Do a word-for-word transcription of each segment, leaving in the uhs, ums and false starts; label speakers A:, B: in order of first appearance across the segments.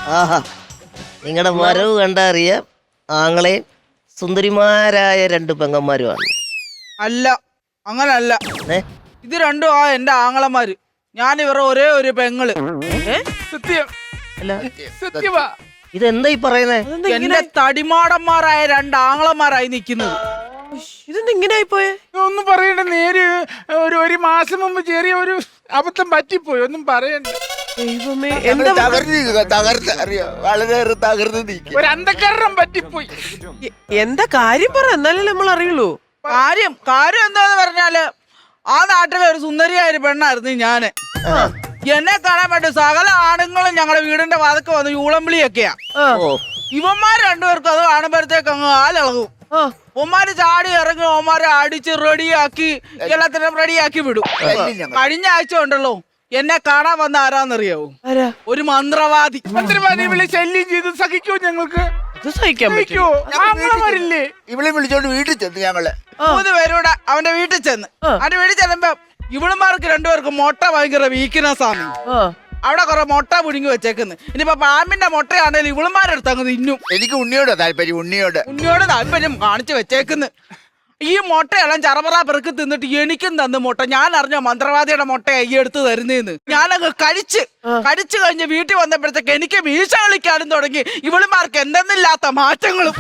A: ആഹാ, നിങ്ങളുടെ വരവ് കണ്ടറിയാം ആങ്ങളെയും സുന്ദരിമാരായ രണ്ട് പെങ്ങന്മാരുമാണ്.
B: അല്ല, അങ്ങനല്ല.
A: ഏ
B: ഇത് രണ്ടും ആ എന്റെ ആങ്ങളമാര്. ഞാൻ ഇവരുടെ ഒരേ ഒരു പെങ്ങള്. സത്യം
A: അല്ല,
B: സത്യമാ.
A: ഇതെന്താ ഈ പറയുന്നേ?
B: എന്റെ തടിമാടന്മാരായ രണ്ട് ആങ്ങളമാരായി നിക്കുന്നത്.
C: ഇതെന്താ ഇങ്ങനെ ആയിപ്പോയെ?
D: ഒന്നും പറയണ്ട. നേര് ഒരു ഒരു മാസം മുമ്പ് ചെറിയ ഒരു അബദ്ധം പറ്റിപ്പോയി. ഒന്നും പറയണ്ട.
C: ദൈവമേ, എന്താ
E: വളരെ തകർന്ന് നീക്കി
D: ഒരു അന്ധകരണം പറ്റിപ്പോയി.
C: എ- എന്താ കാര്യം പറ, എന്നാലേ നമ്മൾ അറിയുള്ളൂ.
B: കാര്യം കാര്യം എന്താന്ന് പറഞ്ഞാല് ആ നാട്ടിലെ ഒരു സുന്ദരിയായ ഒരു പെണ്ണായിരുന്നു ഞാന്. എന്നെ കാണാൻ വേണ്ടി സകല ആണുങ്ങളും ഞങ്ങളുടെ വീടിന്റെ വാതക്ക് വന്ന് യൂളംവിളിയൊക്കെയാ.
A: ഓ,
B: ഇവന്മാര് രണ്ടുപേർക്കും അത് കാണുമ്പോഴത്തേക്ക് അങ്ങ് ആലിളകും. ഒമാര് ചാടി ഇറങ്ങി ഒമാരെ അടിച്ച് റെഡിയാക്കി എല്ലാത്തിനും റെഡിയാക്കി വിടും. കഴിഞ്ഞ ആഴ്ച ഉണ്ടല്ലോ എന്നെ കാണാൻ വന്ന ആരാന്നറിയാവോ?
C: ആരാ?
B: ഒരു മന്ത്രവാദി.
D: മന്ത്രിമാരെ വിളി ശല്യം ചെയ്ത് സഹിക്കോ? ഞങ്ങൾക്ക്
C: ഇത് സഹിക്കാൻ
D: സഹിക്കോ? ആങ്ങളമാരില്ലേ?
E: ഇവളെ വിളിച്ചോണ്ട് വീട്ടിൽ ചെന്ന് ഞങ്ങള്
B: മൂന്ന് പേരൂടെ അവന്റെ വീട്ടിൽ ചെന്ന് അവന്റെ വീട്ടിൽ ചെല്ലുമ്പോ ഇവളുമാർക്ക് രണ്ടുപേർക്കും മുട്ട ഭയങ്കര വീക്ക്നെസ് ആണ്. അവിടെ കുറെ മുട്ട പുഴുങ്ങി വെച്ചേക്കുന്നു. ഇനിയിപ്പോ പാമ്പിന്റെ മുട്ടയാണെങ്കിലും ഇവളുമാരെടുത്ത് അങ്ങ് തിന്നും.
E: എനിക്ക് ഉണ്ണിയോട് താല്പര്യം. ഉണ്ണിയോട്
B: ഉണ്ണിയോട് താല്പര്യം കാണിച്ചു വെച്ചേക്കുന്നു. ഈ മുട്ടയെല്ലാം ചറപറ പെറുക്കി തിന്നിട്ട് എനിക്കും തന്നു മുട്ട. ഞാൻ അറിഞ്ഞ മന്ത്രവാദിയുടെ മുട്ട ഈ എടുത്ത് തരുന്നേന്ന്. ഞാനങ്ങ് കഴിച്ച് കഴിച്ചു കഴിഞ്ഞ് വീട്ടിൽ വന്നപ്പോഴത്തേക്ക് എനിക്ക് വീഴ്ച കളിക്കാനും തുടങ്ങി. ഇവളുമാർക്ക് എന്തെന്നില്ലാത്ത മാറ്റങ്ങളും.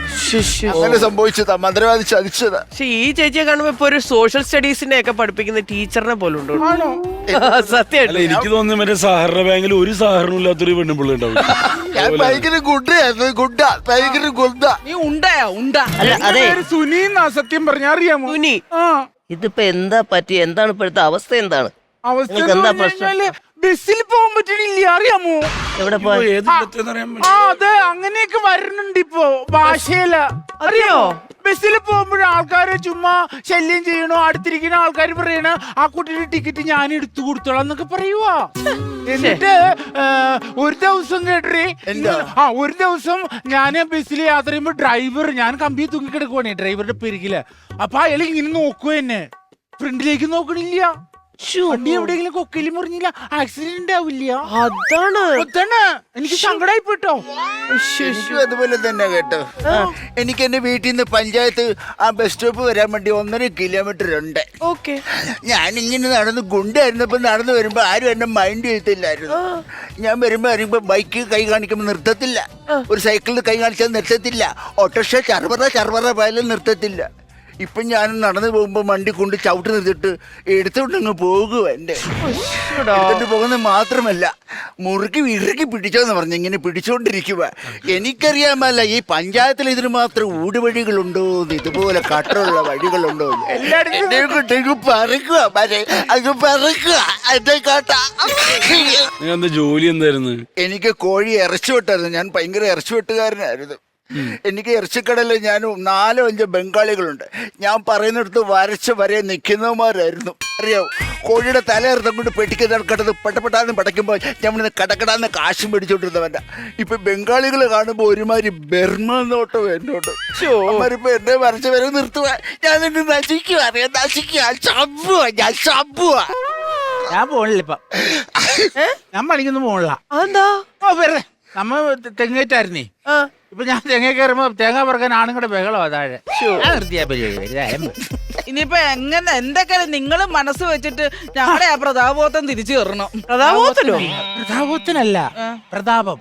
E: അങ്ങനെ സംഭവിച്ചതാ. മന്ത്രവാദി ചതിച്ചതാ.
C: പക്ഷെ ഈ ചേച്ചിയെ കാണുമ്പോ ഇപ്പൊ ഒരു സോഷ്യൽ സ്റ്റഡീസിനെ ഒക്കെ പഠിപ്പിക്കുന്ന ടീച്ചറിനെ പോലെ ഉണ്ട്. സത്യമായിട്ട്
F: എനിക്ക് തോന്നുന്നു മറ്റേ സഹകരണ ബാങ്കിൽ ഒരു സഹകരണം ഇല്ലാത്തൊരു പെണ്ണുപിള്ള ഉണ്ടാവും.
E: ഞാൻ ഭയങ്കര ഗുഡായിരുന്നു. ഗുഡ ഭയങ്കര ഗുഡ.
B: നീ ഉണ്ടായാ ഉണ്ട.
A: അല്ല അതെ,
D: സുനീന്നാ സത്യം പറഞ്ഞ അറിയാമോ?
C: സുനി,
D: ആ
A: ഇതിപ്പോ എന്താ പറ്റി? എന്താണ് ഇപ്പോഴത്തെ അവസ്ഥ? എന്താണ്
D: അവസ്ഥ
A: നിങ്ങൾക്ക് എന്താ
D: എന്ന്
A: പ്രശ്നം?
D: പറഞ്ഞാല് ബസ്സിൽ പോകാൻ പറ്റണില്ല. അറിയാമോ?
A: എവിടെ പോയി?
F: ഏത് ഇടത്തെന്ന് അറിയാൻ
D: ആ അതെ, അങ്ങനെയൊക്കെ വരുന്നുണ്ട് ഇപ്പൊ ഭാഷയില.
C: അറിയോ?
D: ബസ്സിൽ പോകുമ്പോഴ ആൾക്കാരെ ചുമ്മാ ശല്യം ചെയ്യണോ, അടുത്തിരിക്കുന്ന ആൾക്കാർ പറയണ ആ കുട്ടിയുടെ ടിക്കറ്റ് ഞാൻ എടുത്തു കൊടുത്തോളാം എന്നൊക്കെ പറയുവാ. എന്നിട്ട് ഒരു ദിവസം കേട്ടേ, ആ ഒരു ദിവസം ഞാൻ ബസ്സിൽ യാത്ര ചെയ്യുമ്പോ ഡ്രൈവർ, ഞാൻ കമ്പി തൂങ്ങിക്കിടക്കുവാണേ ഡ്രൈവറുടെ പെരുകില്. അപ്പൊ അയാൾ ഇങ്ങനെ നോക്കുക എന്നെ, ഫ്രണ്ടിലേക്ക് നോക്കണില്ല. വണ്ടി എവിടെയെങ്കിലും കൊക്കയിലും മുറിഞ്ഞില്ല, ആക്സിഡന്റ് ആവില്ല.
C: അതാണ്
D: അതാണ് എനിക്ക് സങ്കടമായി പോട്ടോ.
E: എനിക്കും അതുപോലെ തന്നെ കേട്ടോ. എനിക്ക് എന്റെ വീട്ടിൽ നിന്ന് പഞ്ചായത്ത് ആ ബസ് സ്റ്റോപ്പ് വരാൻ വേണ്ടി ഒന്നര കിലോമീറ്റർ ഉണ്ട്.
C: ഓക്കെ.
E: ഞാനിങ്ങനെ നടന്ന് ഗുണ്ടായിരുന്നപ്പോ നടന്നു വരുമ്പോ ആരും എന്നെ മൈൻഡ് ചെയ്തില്ലായിരുന്നു. ഞാൻ വരുമ്പോ അറിയുമ്പോ ബൈക്ക് കൈ കാണിക്കുമ്പോ നിർത്തത്തില്ല, ഒരു സൈക്കിളിൽ കൈ കാണിച്ചാൽ നിർത്തത്തില്ല, ഓട്ടോറിക്ഷ ചർവറ ചർവറ പോയാലും നിർത്തത്തില്ല. ഇപ്പൊ ഞാൻ നടന്നു പോകുമ്പോ വണ്ടി കൊണ്ട് ചവിട്ട് നിർത്തിട്ട് എടുത്തോണ്ടങ്ങ് പോകുക. എന്റെ എടുത്തിട്ട് പോകുന്നത് മാത്രമല്ല, മുറുക്കി ഇറുക്കി പിടിച്ചോന്ന് പറഞ്ഞു ഇങ്ങനെ പിടിച്ചോണ്ടിരിക്കുക. എനിക്കറിയാമല്ല ഈ പഞ്ചായത്തിൽ ഇതിന് മാത്രം ഊടുവഴികളുണ്ടോ, ഇതുപോലെ കട്ടറുള്ള വഴികളുണ്ടോ. എല്ലായിടത്തും പറക്കുക അത് പറക്കുക എന്റെ കാട്ട.
F: എന്താ ജോലി എന്തായിരുന്നു?
E: എനിക്ക് കോഴി ഇറച്ചി വെട്ടായിരുന്നു. ഞാൻ ഭയങ്കര ഇറച്ചി വെട്ടുകാരനായിരുന്നു. എനിക്ക് ഇറച്ചിക്കടയിൽ ഞാൻ നാലോ അഞ്ചോ ബംഗാളികളുണ്ട്. ഞാൻ പറയുന്നിടത്ത് വരച്ച് വരെ നിൽക്കുന്നവന്മാരായിരുന്നു. അറിയാവോ, കോഴിയുടെ തലയിറത്തം കൊണ്ട് പെട്ടിക്ക് കിടന്ന് പെട്ടപ്പെട്ടാന്ന് പടയ്ക്കുമ്പോൾ ഞമ്മളിന്ന് കടക്കടാന്ന് കാശും പിടിച്ചോണ്ടിരുന്നവൻ്റെ. ഇപ്പൊ ബംഗാളികൾ കാണുമ്പോൾ ഒരുമാതിരി ബർമ നോട്ടോ എന്നോട്ട്. അവന്മാരിപ്പോ എന്നെ വരച്ച് വരെ നിർത്തുക. ഞാൻ നിന്നെ നശിക്കുക, അറിയാം നശിക്കുക, ചമ്പുക, ഞാൻ ചമ്പുക.
D: ഞാൻ പോണില്ല ഇപ്പൊ, ഞാൻ പണിക്കൊന്നും പോണില്ല.
C: അതെന്താ?
D: ഓ വെറുതെ നമ്മ തെങ്ങേറ്റായിരുന്നേ. ഇപ്പൊ ഞാൻ തെങ്ങ കയറുമ്പോ തേങ്ങ പറക്കാൻ ആണുങ്ങളുടെ ബഹളോ താഴെ. നിർത്തിയാ പരിപാടി.
B: ഇനിയിപ്പോ എങ്ങനെ എന്തൊക്കെയാലും നിങ്ങൾ മനസ്സ് വെച്ചിട്ട് ഞങ്ങളുടെ ആ പ്രതാപോത്തം തിരിച്ചു കയറണം.
C: പ്രതാപോത്തനോ?
D: പ്രതാപത്തിനല്ല, പ്രതാപം.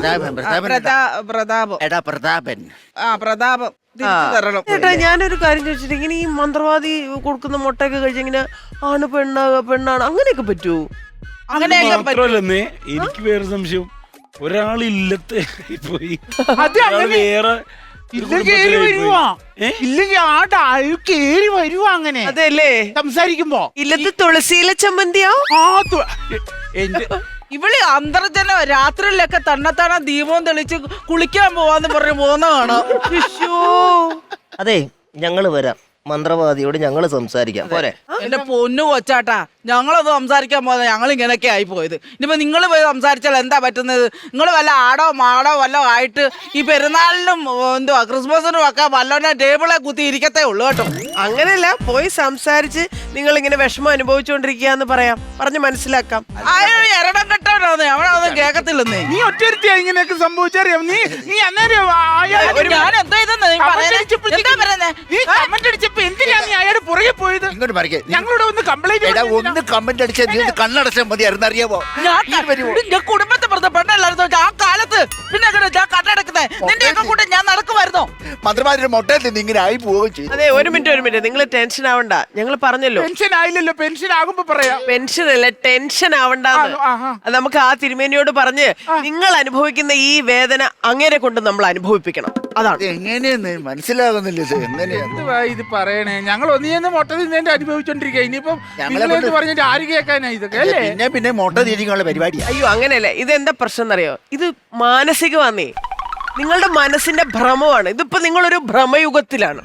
B: പ്രതാ- പ്രതാപം
E: എടാ പ്രതാപൻ,
B: ആ പ്രതാപം തിരിച്ചു തരണം.
C: ചേട്ടാ, ഞാനൊരു കാര്യം ചോദിച്ചിട്ട്, ഇങ്ങനെ ഈ മന്ത്രവാദി കൊടുക്കുന്ന മുട്ടയൊക്കെ കഴിച്ച് ഇങ്ങനെ ആണ് പെണ്ണാ പെണ്ണാണ് അങ്ങനെയൊക്കെ പറ്റുമോ?
B: അങ്ങനെയൊക്കെ പറ്റും.
F: മാത്രമല്ലെന്നേ, എനിക്ക് വേറെ സംശയം. ഒരാളില്ലത്തെ പോയി
D: അത് അങ്ങനെ
F: വേറെ
D: ഇല്ലെങ്കിൽ കേറി വരുവാ. ഇല്ലെങ്കിൽ ആ ഡായു കേറി വരുവാ. അങ്ങനെ
C: അതെല്ലേ
D: സംസാരിക്കുമ്പോ
C: ഇല്ലത്ത് തുളസിയിലെ ചമ്മന്തിയോ?
D: ആ തു- എന്റെ
B: ഇവള് അന്തർജനം രാത്രിയിലൊക്കെ തന്നെത്താണ ദീപം തെളിച്ച് കുളിക്കാൻ പോവാന്ന് പറഞ്ഞു പോകുന്ന കാണാം.
A: അതെ, ഞങ്ങള് വരാം. മന്ത്രവാദിയോട് ഞങ്ങൾ സംസാരിക്കാം പോരെ?
B: എന്റെ പൊന്നു കൊച്ചാട്ടാ, ഞങ്ങളത് സംസാരിക്കാൻ പോകുന്നത് ഞങ്ങൾ ഇങ്ങനെയൊക്കെ ആയി പോയത്. ഇനിയിപ്പോ നിങ്ങൾ പോയി സംസാരിച്ചാൽ എന്താ പറ്റുന്നത്? നിങ്ങൾ വല്ല ആടോ മാടോ വല്ലോ ആയിട്ട് ഈ പെരുന്നാളിനും എന്തുവാ ക്രിസ്മസിനും ഒക്കെ വല്ലോനെ ടേബിളെ കുത്തി ഇരിക്കത്തേ ഉള്ളു കേട്ടോ.
C: അങ്ങനെയല്ല, പോയി സംസാരിച്ച് നിങ്ങൾ ഇങ്ങനെ വിഷമം അനുഭവിച്ചുകൊണ്ടിരിക്കുകയെന്ന് പറയാം, പറഞ്ഞ് മനസ്സിലാക്കാം.
B: അയാൾ എരടം കെട്ടവനാന്ന് അവനൊന്നും കേക്കത്തില്ലെന്നേ.
D: നീ ഒറ്റരുത്തിയാ ഇങ്ങനെയൊക്കെ സംഭവിച്ചറിയാം. നീ നീ അന്നേരം അയാൾ
B: ഞാൻ എന്താ ഇതെന്ന് നീ പറയുന്നേ? എന്താ പറയുന്നേ?
D: നീ കമന്റ് അടിച്ചപ്പോ എന്തിനാ നീ അയാളുടെ പുറകെ പോയത്?
E: ഇങ്ങോട്ട് പറിക്കേ.
D: ഞങ്ങളോട് ഒന്ന് കംപ്ലൈന്റ്
E: എടാ ഒന്ന് കമന്റ് അടിച്ചാൽ നീ ഒന്ന് കണ്ണടച്ചാൽ മതിയായിരുന്നു, അറിയാമോ?
B: ഞാൻ കുടുംബത്തെ പറഞ്ഞ പെണ്ണല്ലായിരുന്നു ആ കാലത്ത്. പിന്നെ എങ്ങനെ ഞാൻ കണ്ണടക്കുന്നേ? നിന്റെ ഒക്കെ കൂടെ ഞാൻ നടക്കുമായിരുന്നോ?
E: മന്ത്രിമാരുടെ മൊട്ടയിൽ നിന്ന് ഇങ്ങനെ ആയി പോവുകയും ചെയ്തു.
C: അതെ, ഒരു മിനിറ്റ് ഒരു മിനിറ്റ്, നിങ്ങൾ ടെൻഷൻ ആവണ്ട. ഞങ്ങൾ പറഞ്ഞല്ലോ
D: പെൻഷൻ ആയില്ലല്ലോ, പെൻഷൻ ആകുമ്പോ പറയാം.
C: പെൻഷൻ അല്ല, ടെൻഷൻ ആവണ്ടെന്ന്.
D: ആ, ആ.
C: അത് നമുക്ക് ആ തിരുമേനിയോട് പറഞ്ഞ് നിങ്ങൾ അനുഭവിക്കുന്ന ഈ വേദന അങ്ങേരെ കൊണ്ട് നമ്മൾ അനുഭവിപ്പിക്കണം. അതാണ്.
E: ഇത് എങ്ങനെയെന്ന് മനസ്സിലാകുന്നില്ല. ഇത് എങ്ങനെയാ
D: എന്തുവാ ഇത് പറയണേ? ഞങ്ങൾ ഒന്നിയെന്ന് മൊട്ട തിന്നേന്റെ അനുഭവിച്ചോണ്ടിരിക്കുക. ഇനിയിപ്പം
E: ഞങ്ങളെ
D: നിങ്ങളെന്ന്
E: കൊണ്ട്
D: പറഞ്ഞിട്ട് ആര് കേൾക്കാനാ ഇതൊക്കെ അല്ലേ?
E: പിന്നെ പിന്നെ മൊട്ട തിരിക്കാനുള്ള പരിപാടിയാ.
C: അയ്യോ അങ്ങനെയല്ല, ഇതെന്താ പ്രശ്നം എന്നറിയോ? ഇത് മാനസികമാന്നേ, നിങ്ങളുടെ മനസ്സിന്റെ ഭ്രമമാണ്. ഇതിപ്പോ നിങ്ങളൊരു ഭ്രമയുഗത്തിലാണ്.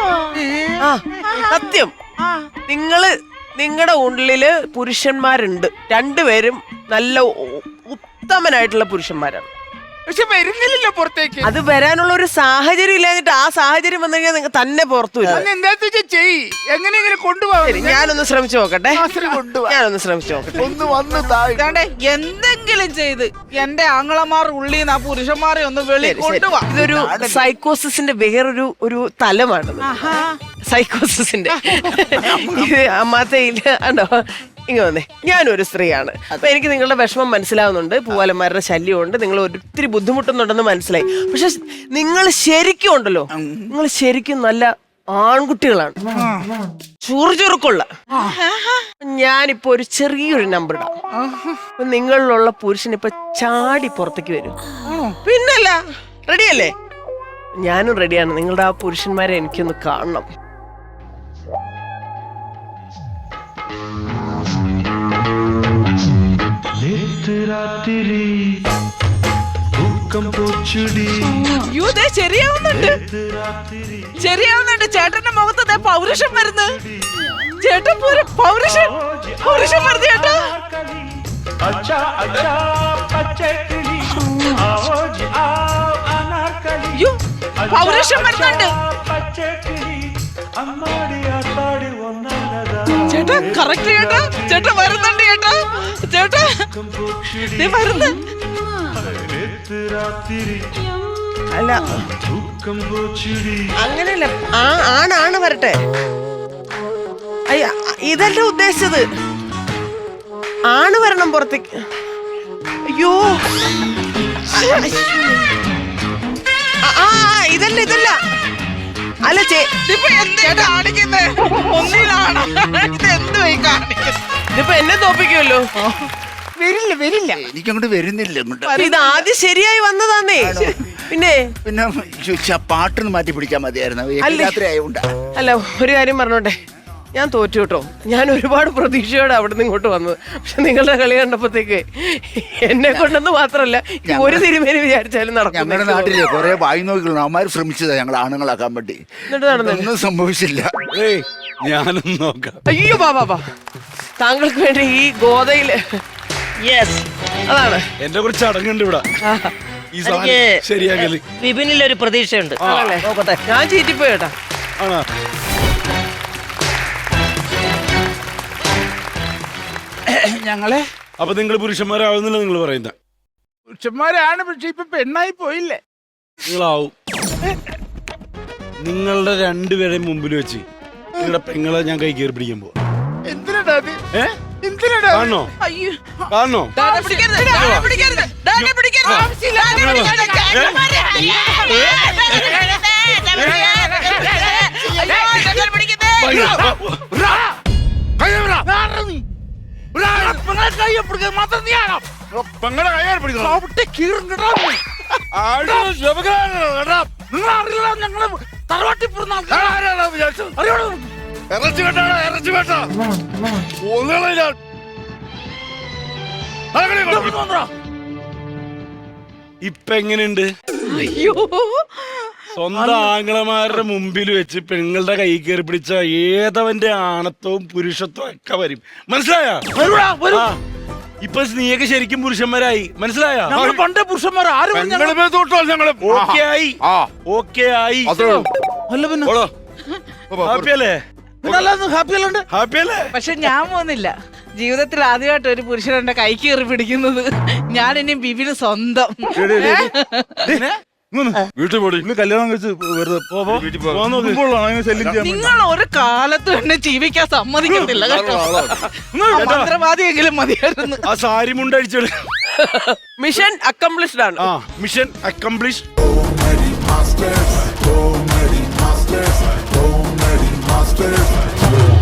C: ആ സത്യം. നിങ്ങള് നിങ്ങളുടെ ഉള്ളില് പുരുഷന്മാരുണ്ട്, രണ്ടുപേരും നല്ല ഉ- ഉത്തമനായിട്ടുള്ള പുരുഷന്മാരാണ്.
D: പക്ഷെ വരുന്നില്ലല്ലോ പുറത്തേക്ക്.
C: അത് വരാനുള്ള ഒരു സാഹചര്യം ഇല്ലാഞ്ഞിട്ട് ആ സാഹചര്യം വന്നു കഴിഞ്ഞാൽ നിങ്ങൾ തന്നെ പുറത്തു വരും.
D: അന്ന് എന്താ ചെയ് എങ്ങനെ ഇങ്ങനെ കൊണ്ടുപോകാം?
C: ശരി, ഞാനൊന്ന് ശ്രമിച്ചു നോക്കട്ടെ.
E: കൊണ്ടുപോവാ.
C: ഞാനൊന്ന് ശ്രമിച്ചു നോക്കട്ടെ.
E: ഒന്ന് വന്ന് താഴെ
B: ഇതാണ്ടേ എന്തെങ്കിലും ചെയ്ത് എന്റെ ആങ്ങളമാർ ഉള്ളിൽ നിന്ന് ആ പുരുഷന്മാരെ ഒന്ന് വെളി
C: ശരി, ശരി.
B: കൊണ്ടുപോവാ.
C: ഇതൊരു സൈക്കോസിന്റെ വേറൊരു ഒരു തലമാണ്. സൈക്കോസിന്റെ ഇത് അമ്മാത്തയില് ആണോ? ഇങ്ങ വന്നേ, ഞാനൊരു സ്ത്രീയാണ്. അപ്പൊ എനിക്ക് നിങ്ങളുടെ വിഷമം മനസ്സിലാവുന്നുണ്ട്, പൂവാലന്മാരുടെ ശല്യമുണ്ട്, നിങ്ങൾ ഒത്തിരി ബുദ്ധിമുട്ടുന്നുണ്ടെന്ന് മനസ്സിലായി. പക്ഷെ നിങ്ങൾ ശരിക്കും ഉണ്ടല്ലോ, നിങ്ങൾ ശരിക്കും നല്ല ആൺകുട്ടികളാണ്, ചുറുചുറുക്കുള്ള. ഞാനിപ്പോ ഒരു ചെറിയൊരു നമ്പർ ഇടാം. അപ്പൊ നിങ്ങളിലുള്ള പുരുഷൻ ഇപ്പൊ ചാടി പുറത്തേക്ക് വരും. പിന്നല്ല, റെഡിയല്ലേ? ഞാനും റെഡിയാണ്. നിങ്ങളുടെ ആ പുരുഷന്മാരെ എനിക്കൊന്ന് കാണണം.
B: അയ്യോ, ദേ ശരിയാവുന്നുണ്ട്, ശരിയാവുന്നുണ്ട്. ചേട്ടന്റെ മുഖത്ത് ദേ പൗരുഷം വരുന്നു. ചേട്ടൻ പൂര പൗരുഷം പൗരുഷം വരുന്നു ചേട്ടാ. അയ്യോ, പൗരുഷം വരുന്നുണ്ട് ചേട്ടാ. കറക്റ്റ് ചേട്ടാ, ചേട്ടാ വരുന്നുണ്ട് ചേട്ടാ. ചേട്ടാ ദേ വരുന്നു.
C: അല്ല അങ്ങനെയല്ല, ആ ആണാണ് വരട്ടെ. അയ്യ, ഇതല്ല ഉദ്ദേശിച്ചത്. ആണ് വരണം പുറത്തേക്ക്. അയ്യോ, ആ, ആ, ഇതല്ല ഇതല്ല അല്ല ചേ
B: ഇതിപ്പോ എന്താ കാണിക്കുന്നേ? ഒന്നിലാണ് ഇത് എന്ത് പോയി കാണിക്കുന്നത്?
C: ഇതിപ്പോ എന്നെ തോപ്പിക്കുമല്ലോ.
D: വരില്ല വരില്ല
E: എനിക്കങ്ങോട്ട് വരുന്നില്ല ഇങ്ങോട്ട്.
C: ഇത് ആദ്യം ശരിയായി വന്നതാന്നേ. പിന്നെ
E: പിന്നെ ചോദിച്ചാ പാട്ടൊന്ന് മാറ്റി പിടിക്കാൻ മതിയായിരുന്നു.
C: അല്ലേ?
E: രാത്രി ആയതുകൊണ്ടാ.
C: അല്ല, ഒരു കാര്യം പറഞ്ഞോട്ടെ, ഞാൻ തോറ്റു കേട്ടോ. ഞാൻ ഒരുപാട് പ്രതീക്ഷയോടെ അവിടെ നിന്ന് ഇങ്ങോട്ട് വന്നത്. പക്ഷെ നിങ്ങളുടെ കളി കണ്ടപ്പോഴത്തേക്ക് എന്നെ കൊണ്ടെന്ന് മാത്രമല്ല ഒരു തിരുമേനി വിചാരിച്ചാലും നടക്കും.
E: ഞങ്ങളുടെ നാട്ടിലെ കുറെ വായി നോക്കികളും അവന്മാർ ശ്രമിച്ചതാ ഞങ്ങൾ ആണുങ്ങളാക്കാൻ വേണ്ടി.
C: എന്നിട്ട് നടന്നില്ല.
E: ഒന്നും സംഭവിച്ചില്ല.
F: ഏയ് ഞാനും നോക്കാം.
C: അയ്യോ ബാബാ ബാ, താങ്കൾക്ക് വേണ്ടി ഈ ഗോതയില്
A: യെസ്,
C: അതാണ്.
F: എന്റെ കുറച്ച് ചടങ്ങുണ്ട് ഇവിടെ. ഈ സാധനം
A: എനിക്ക്
F: ശരിയാക്കല്
A: വിപിനിലൊരു പ്രതീക്ഷയുണ്ട്.
C: ആണല്ലേ?
A: നോക്കട്ടെ.
C: ഞാൻ ചീറ്റിപ്പോയി കേട്ടാ.
F: ആണോ?
D: ഞങ്ങളെ
F: അപ്പൊ നിങ്ങൾ പുരുഷന്മാരാവുന്നില്ല നിങ്ങൾ പറയുന്ന?
D: പുരുഷന്മാരാണ്, പക്ഷെ ഇപ്പൊ പെണ്ണായി പോയില്ലേ?
F: നിങ്ങളാവും. നിങ്ങളുടെ രണ്ടുപേരെയും മുമ്പിൽ വെച്ച് നിങ്ങളുടെ പെങ്ങളെ ഞാൻ കൈ കയറി പിടിക്കാൻ പോവാ.
D: എന്തിനാ അത്?
F: ഏ
D: എന്തിനാ?
F: കാണണോ?
B: അയ്യോ,
F: കാണണോ?
B: ഡാനെ പിടിക്കരുത്, ഡാനെ പിടിക്കരുത്, ഡാനെ പിടിക്കരുത്. ആവശ്യമില്ല, ഡാനെ പിടിക്കരുത്. ചേട്ടന്മാരെ, അയ്യോ, ചേട്ടന്മാരെ പിടിക്കരുത്.
D: പെങ്ങളെ കയ്യാൽ പിടിക്കണം. അവിടെ കീറും നിങ്ങൾ അറിയില്ല, ഞങ്ങള് തറവാട്ടി
F: ഇറച്ചി വേട്ടാ, ഇറച്ചി വേട്ടാ. ഇപ്പൊ എങ്ങനെയുണ്ട്?
B: അയ്യോ,
F: സ്വന്തം ആംഗ്ലമാരുടെ മുമ്പിൽ വെച്ച് പെങ്ങളുടെ കൈ കയറി പിടിച്ച ഏതവന്റെ ആണത്വവും പുരുഷത്വവും ഒക്കെ വരും. മനസ്സിലായ?
D: വരുവാ, വരൂ.
F: ഇപ്പൊ നീയൊക്കെ ശരിക്കും പുരുഷന്മാരായി. മനസ്സിലായ?
D: ഞങ്ങള് പണ്ടേ പുരുഷന്മാർ ആരും
F: ഓക്കെ ആയി, ഓക്കെ ആയി.
D: അല്ല പിന്നെ
F: ഹാപ്പി അല്ലേ?
D: ഹാപ്പി അല്ലാണ്ട്
F: ഹാപ്പി അല്ലേ?
B: പക്ഷെ ഞാൻ പോകുന്നില്ല. ജീവിതത്തിൽ ആദ്യമായിട്ട് ഒരു പുരുഷൻ എന്റെ കൈ കയറി പിടിക്കുന്നത്. ഞാൻ ഇനി ബിബിന് സ്വന്തം.
F: വീട്ടിൽ പോടി.
G: കല്യാണം കഴിച്ച് വെറുതെ ശല്യം ചെയ്യാൻ
B: നിങ്ങൾ ഒരു കാലത്തും എന്നെ ജീവിക്കാൻ സമ്മതിക്കത്തില്ല കേട്ടോ. മന്ത്രവാദിയെങ്കിലും മതിയായിരുന്നു.
F: ആ സാരി മുണ്ടടിച്ചോളൂ.
C: മിഷൻ അക്കംപ്ലിഷ്ഡ് ആണ്.
F: ആ mission accomplish.
H: Comedy Masters, Comedy Masters, Comedy Masters.